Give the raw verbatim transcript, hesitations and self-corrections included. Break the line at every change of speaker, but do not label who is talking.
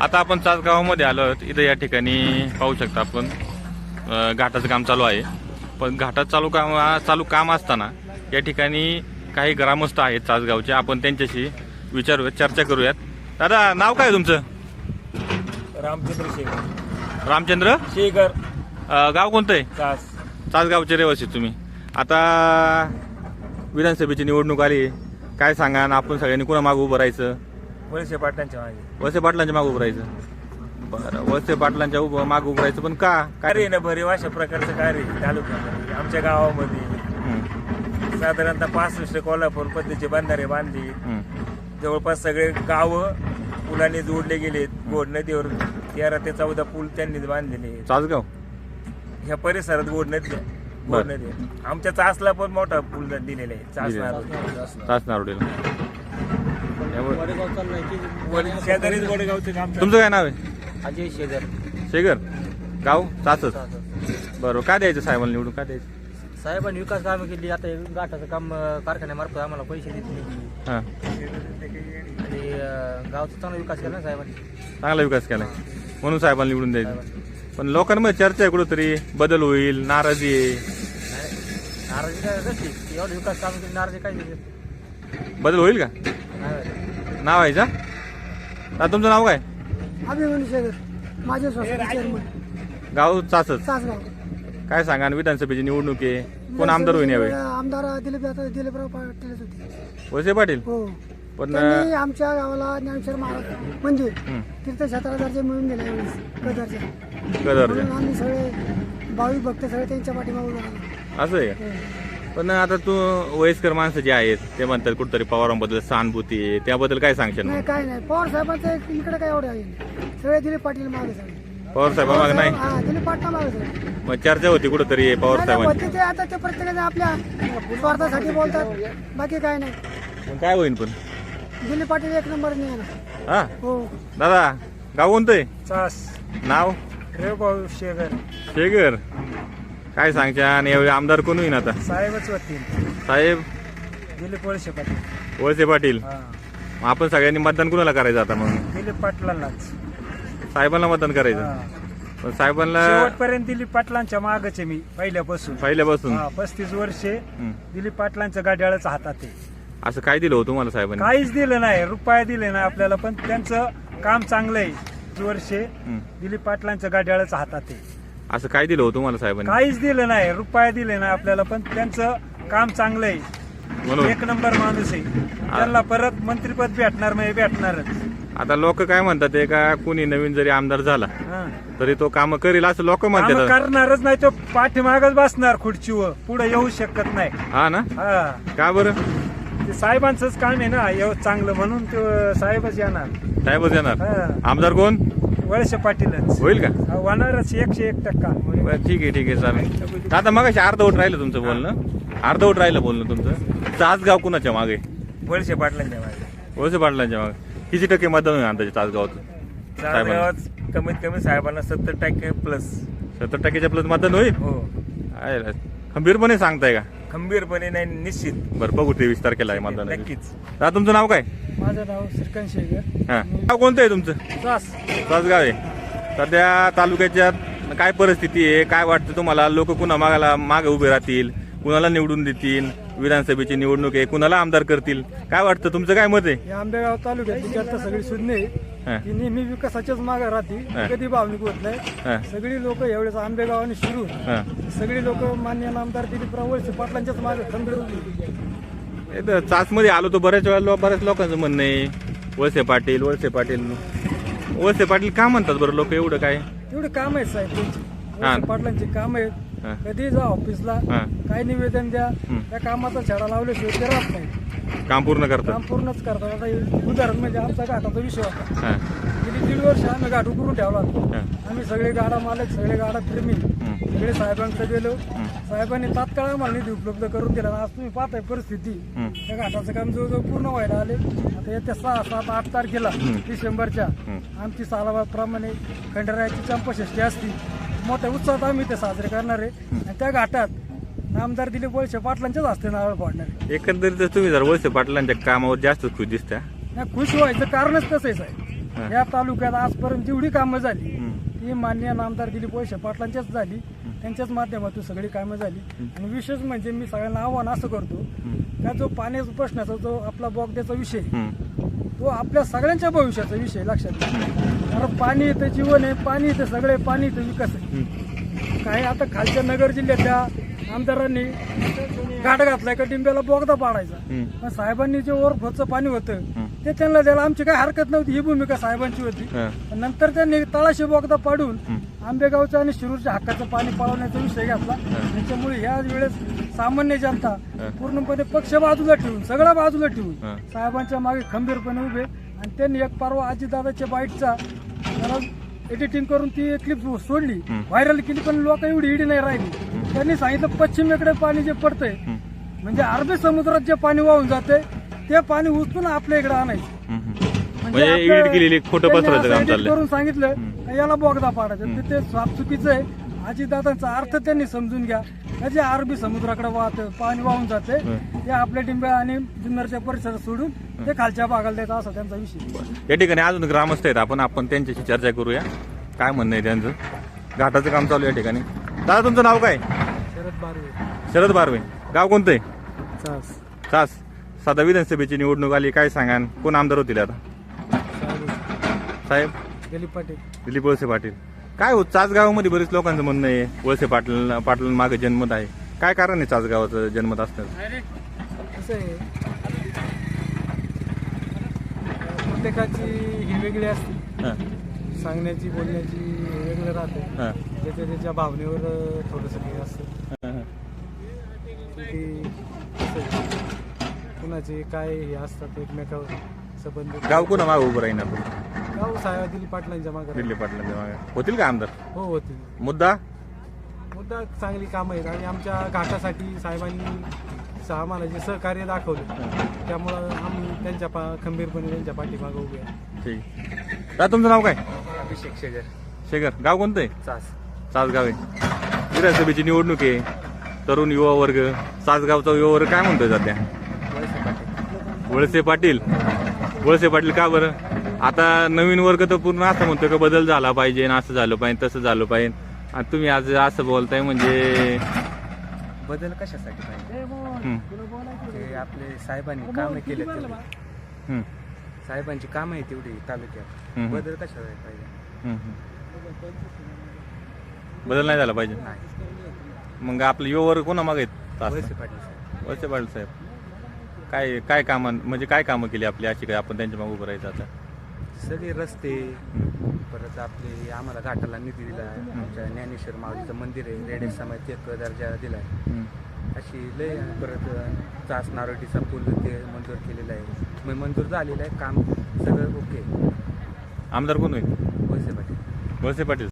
आता आपण चासगावामध्ये आलो आहोत. इथं या ठिकाणी पाहू शकता आपण अ, घाटाचं काम चालू आहे. पण घाटात चालू काम चालू काम असताना या ठिकाणी काही ग्रामस्थ आहेत चासगावचे. आपण त्यांच्याशी विचारूयात, चर्चा करूयात. दादा, नाव काय आहे तुमचं?
रामचंद्र शेखर.
रामचंद्र
शेखर.
अ, गाव कोणतं आहे?
तास.
चासगावचे रहिवासी तुम्ही. आता विधानसभेची निवडणूक आली, काय सांगा ना, आपण सगळ्यांनी कोणा मागं उभं राहायचं?
वळसे पाटलांच्या मागे.
वळसे पाटलांच्या मागं उभं राहायचं. बरं, वळसे पाटलांच्या उभं मागं उभं राहायचं, पण का? काय
कार्य ना भरीव अशा प्रकारचं कार्य तालुक्यामध्ये आमच्या गावामध्ये
हं,
साधारणतः पासष्ट कोल्हापूर पद्धतीचे बंधारे बांधले.
हं.
जवळपास सगळे गावं पुलाने जोडले गेलेत. गोड नदीवर तेरा ते चौदा पूल त्यांनी बांधलेले.
चासगाव
ह्या परिसरात गोड नदी आहे. गोड
बरं.
नदी आहे. आमच्या चासला पण मोठा पूल दिलेला आहे. चासणार
तास नारोडीला.
शेजारीच गोडेगावचं काम.
तुमचं काय नाव आहे?
अजय शेखर.
शेगर. गाव चासच. बरं, काय द्यायचं साहेबांना निवडून? काय द्यायचं?
साहेबांनी विकास कामं केली. आता हे गाठाचं काम अं, कारखान्यामार्फत आम्हाला पैसे देत नाही
हां,
आणि अं, गावचा चांगला विकास केला ना साहेबांनी.
चांगला विकास केलाय म्हणून साहेबांना निवडून द्यायचं. पण लोकांमध्ये चर्चा आहे कुठंतरी बदल होईल, नाराजी आहे.
नाराजी काय कसली? एवढं विकास काम केली, नाराजी काय दिली?
बदल होईल का?
नाही.
नाव आहे का? आता तुमचं नाव काय?
अभिमन्यू शेखर, माझे सोसायटी चेअरमन,
गाव चासच.
तासगाव.
काय सांगा ना, विधानसभेची निवडणूक आहे, कोण आमदार होईल यावेळी?
आमदार दिलीप आता दिलीपराव पाटीलच होते.
वळसे पाटील.
हो,
पण
त्यांनी आमच्या गावाला ज्ञानेश्वर महाराज मंदिर
हं,
तीर्थक्षेत्राला दर्जा मिळून दिला यावेळेस कदरच्या.
कदर
म्हणून आम्ही सगळे भाविक भक्त सगळे त्यांच्या पाठीमागे राहिलो.
असं आहे का? पण आता तू वयस्कर माणसं जे आहेत ते म्हणतात कुठतरी पवारांबद्दल सहानुभूती आहे, त्याबद्दल काय सांगशील?
नाही, काय नाही, पवार साहेबांचं इकडे काय एवढं आहे. सगळे दिलीप पाटील मागे सगळे.
पवार साहेबांमागे नाही?
हा, दिलीप पाटील मागे सगळे.
मग चर्चा होती कुठतरी पवार
नाही, नाही,
साहेबांची.
होते ते आता ते प्रत्येकाने आपल्या स्वार्थासाठी बोलतात, बाकी काय नाही.
पण काय होईल पण?
दिलीप पाटील एक नंबर नाही ना.
हा
हो,
दादा, गाव कोणतं आहे?
चास.
नाव?
रेवभाऊ शेखर.
शेगर. काय सांगच्या? आणि यावेळी आमदार कोण होईल आता?
साहेबच होतील.
साहेब
दिलीप वळसे पाटील.
वळसे पाटील.
हा.
मग आपण सगळ्यांनी मतदान कुणाला करायचं आता? मग
दिलीप पाटलांनाच.
साहेबांना मतदान करायचं.
हा.
पण साहेबांना
शेवटपर्यंत दिलीप पाटलांच्या मागच आहे मी पहिल्यापासून.
पहिल्यापासून.
हा, पस्तीस वर्षे
हं.
दिलीप पाटलांच्या गाड्याळच हातात आहे.
असं काय दिलं होतं तुम्हाला साहेबांनी?
काहीच दिलं नाही, रुपया दिले नाही आपल्याला, पण त्यांचं काम चांगलं आहे. वर्षे
हं.
दिलीप पाटलांच्या गाड्याळच हातात आहे.
असं काय दिलं होतं तुम्हाला साहेबांनी?
काहीच दिलं नाही, रुपया दिले नाही आपल्याला, पण त्यांचं काम चांगलं आहे.
म्हणून
एक नंबर माणूस आहे. त्यांना परत मंत्रीपद भेटणार नाही, भेटणारच.
आता लोक काय म्हणतात ते का कुणी नवीन जरी आमदार झाला
हा.
तरी तो काम करेल असं लोक
कामं
म्हणतात.
करणारच नाही, तो पाठीमागच बसणार खुर्चीवर, पुढे येऊ शकत नाही.
हा ना?
हा,
का बरं?
ते साहेबांचंच काम आहे ना एव- चांगलं, म्हणून तो साहेबच येणार.
साहेबच येणार.
हा.
आमदार कोण
वळसे पाटीलच
होईल का?
हा, होणारच एकशे एक टक्का.
बरं, ठीक आहे, ठीक आहे, चालेल. आता मग अर्धवट राहिलं तुमचं बोलणं. अर्धवट राहिलं बोलणं तुमचं. तासगाव कुणाच्या मागे?
वळसे पाटलांच्या मागे.
वळसे पाटलांच्या मागे. किती टक्के मतदान होईल अंदाजे तासगावात? साहेबांना
गावात कमीत कमी साहेबांना सत्तर टक्के प्लस.
सत्तर टक्क्याच्या प्लस मतदान होईल.
हो,
आहे ना? खंबीरपणे सांगताय का?
खंबीरपणे नाही, निश्चित.
बरं, बघू तेवीस तारखेला आहे मतदान.
नक्कीच.
दादा, तुमचं नाव काय?
माझं नाव श्रीकांत शेखर.
हा, गाव कोणतं आहे तुमचं?
तास.
तासगाव आहे. सध्या तालुक्याच्या काय परिस्थिती आहे? काय वाटतं तुम्हाला? लोक कुणा मागाला मागे उभे राहतील, कुणाला निवडून देतील? विधानसभेची निवडणूक आहे, कुणाला आमदार करतील? काय वाटतं? तुमचं काय मत आहे?
या आंबेगाव तालुक्यात आता सगळी सुज्ञ आहे.
हा,
ती नेहमी विकासाच्याच मागे राहते,
हा.
कधी भावनिक होत नाही.
हा,
सगळी लोक एवढेच आंबेगावाने शिरून
हा.
सगळी लोक मान्य आमदार दिलीपराव वळसे पाटलांच्याच मागे खंबीर होती.
इथं चासमध्ये आलो तो बऱ्याच वेळा लो- बऱ्याच लोकांचं म्हणणं आहे वळसे पाटील, वळसे पाटील. वळसे पाटील का म्हणतात बरं लोक? एवढं काय?
एवढे काम आहेत साहेब त्यांची.
हा.
वळसे पाटलांची काम आहेत.
हा.
कधी जा ऑफिसला,
हा.
काय निवेदन द्या,
हं.
त्या कामाचा छडा लावल्याशिवाय ते राहत नाही.
काम पूर्ण करतात.
काम पूर्णच करतात. आता हे उदाहरण म्हणजे आमचा घाटाचा विषय होता.
हा,
गेली दीड वर्ष आम्ही घाट उकरून ठेवला होता.
हा.
आम्ही सगळे गाडा मालक, सगळे गाडा प्रेमी,
हं.
सगळे साहेबांकडे गेलो.
हं.
साहेबांनी तात्काळ आम्हाला निधी उपलब्ध करून दिला. आज तुम्ही पाहताय परिस्थिती,
हं.
त्या घाटाचं काम जवळजवळ पूर्ण व्हायला आले. आता येत्या सहा सात आठ तारखेला
हं.
डिसेंबरच्या
हं.
आमची सालाबादप्रमाणे खंडरायाची चंपाषष्ठी असती. मोठ्या उत्साहात आम्ही ते साजरे करणार आहे. आणि त्या घाटात नामदार दिलीप वळसे पाटलांच्याच हस्ते नारळ फोडणार आहे.
एकंदरीत तुम्ही जर वळसे पाटलांच्या कामावर जास्त खुश दिसता.
नाही, खुश व्हायचं कारणच तसंच आहे. या तालुक्यात आजपर्यंत जेवढी कामं झाली
हं.
ती मान्य नामदार दिलीप वळसे पाटलांच्याच झाली, त्यांच्याच माध्यमातून सगळी कामं झाली. आणि विशेष म्हणजे मी सगळ्यांना आव्हान असं करतो का जो पाण्याचा प्रश्नाचा जो आपला बोगद्याचा विषय
हं.
तो आपल्या सगळ्यांच्या भविष्याचा विषय लक्षात घ्या. कारण पाणी इथं जीवन आहे, पाणी इथं सगळे, पाणी इथं विकास आहे. काही आता खालच्या नगर जिल्ह्यातल्या आमदारांनी घाट घातलाय का डिंब्याला बोगदा पाडायचा,
हं.
पण साहेबांनी जे ओव्हरफ्लोचं पाणी होतं
हं.
ते त्यांना द्यायला आमची काही हरकत नव्हती, ही भूमिका साहेबांची होती.
हं.
पण नंतर त्यांनी तळाशी बोगदा पाडून
हं.
आंबेगावचं आणि शिरूरच्या हक्काचं पाणी पळवण्याचा विषय घेतला. त्याच्यामुळे ह्या वेळेस सामान्य जनता पूर्णपणे पक्ष बाजूला ठेवून, सगळं बाजूला ठेवून
हं.
साहेबांच्या मागे खंबीरपणे उभे. आणि त्यांनी एक परवा अजितदादाच्या बाईटचा एडिटिंग करून ती क्लिप सोडली, व्हायरल केली, पण लोक एवढी इडी नाही राहिली. त्यांनी सांगितलं पश्चिमेकडे पाणी जे पडतंय म्हणजे अरबी समुद्रात जे पाणी वाहून जाते ते पाणी उचलून आपल्या इकडे आणायचं.
हं.
म्हणजे
म्हणजे
आपलं-
एडिट केलेली खोटं
त्यांनी
पसरवायचं
असं
काम
edit
चाललंय.
करून सांगितलं का याला बोगदा पाडायचं, तर ते स्वाप चुकीचं आहे. अजितदादांचा अर्थ त्यांनी समजून घ्या का जे अरबी समुद्राकडे वाहत पाणी वाहून जाते ते आपल्या डिंब्या आणि जुन्नरच्या परिसरात सोडून ते खालच्या भागाला द्यायचं, असा त्यांचा विषय.
या ठिकाणी अजून ग्रामस्थ आहेत, आपण आपण त्यांच्याशी चर्चा करूया. काय म्हणणं आहे त्यांचं? घाटाचं काम चालू आहे या ठिकाणी. दादा तुमचं नाव काय?
शरद बारवे.
शरद बारवे. गाव कोणतं आहे?
चास
सास. साधा विधानसभेची निवडणूक आली, काय सांगाल? कोण आमदार होतील आता? साहेब
दिलीप पाटील.
दिलीप वळसे पाटील. काय हो, चासगावामध्ये बरेच लोकांचं म्हणणं आहे वळसे पाटील पाटील मागे जन्मत आहे. काय कारण आहे चासगावाचं जन्मत असतं?
कसं आहे, प्रत्येकाची ही वेगळी असते,
हां
सांगण्याची बोलण्याची वेगळं राहते.
हां
त्याच्या त्याच्या भावनेवर थोडंसं हे असतं
हां हां.
की कसं आहे, कुणाचे काय हे असतात एकमेकावर संबंध.
गाव कोणा मागे उभं राहीन आपण?
गाव साहेब दिलीप पाटलांच्या मागे.
दिलीप पाटलांच्या मागे होतील का आमदार?
हो होते.
मुद्दा
मुद्दा चांगली कामं आहेत आणि आमच्या घाटासाठी साहेबांनी आम्हाला जे सहकार्य दाखवलं त्यामुळं आम्ही त्यांच्या पा खंबीरपणे त्यांच्या पाठीमागे उभे आहे.
ठीक. दादा तुमचं नाव काय?
अभिषेक शेगर.
शेखर. गाव कोणतं आहे?
चास.
सासगाव आहे. विधानसभेची निवडणूक आहे. तरुण युवा वर्ग, सासगावचा युवा वर्ग काय म्हणतोय सध्या? वळसे पाटील. वळसे पाटील का बरं? आता नवीन वर्ग तर पूर्ण असं म्हणतोय का बदल झाला पाहिजे, असं झालं पाहिजे, तसं झालं पाहिजे. आणि तुम्ही आज असं बोलताय म्हणजे
बदल कशासाठी पाहिजे?
हं,
ते आपले साहेबांनी कामं केले तेवढी,
हं,
साहेबांची कामं आहे तेवढी तालुक्यात.
हं.
बदल कशासाठी पाहिजे?
हं, हं. बदल नाही झाला पाहिजे.
नाही.
मग आपलं युवा वर्ग कोणा मागे आहेत?
वळसे पाटील साहेब.
वळसे पाटील साहेब. काय काय कामं म्हणजे काय कामं केली आपली अशी काय आपण त्यांच्या मागे उभं राहायचं आता?
सगळे रस्ते, परत आपले आम्हाला घाटाला निधी दिला आहे. आमच्या ज्ञानेश्वर माऊलीचं मंदिर आहे, रेडे समाज एक दर्जा दिला आहे.
हं.
अशी लय. परत चास नारोटीचा पूल ते मंजूर केलेला आहे, मग मंजूर झालेलं आहे काम सगळं ओके.
आमदार कोण होईल?
वळसे पाटील.
वळसे पाटील.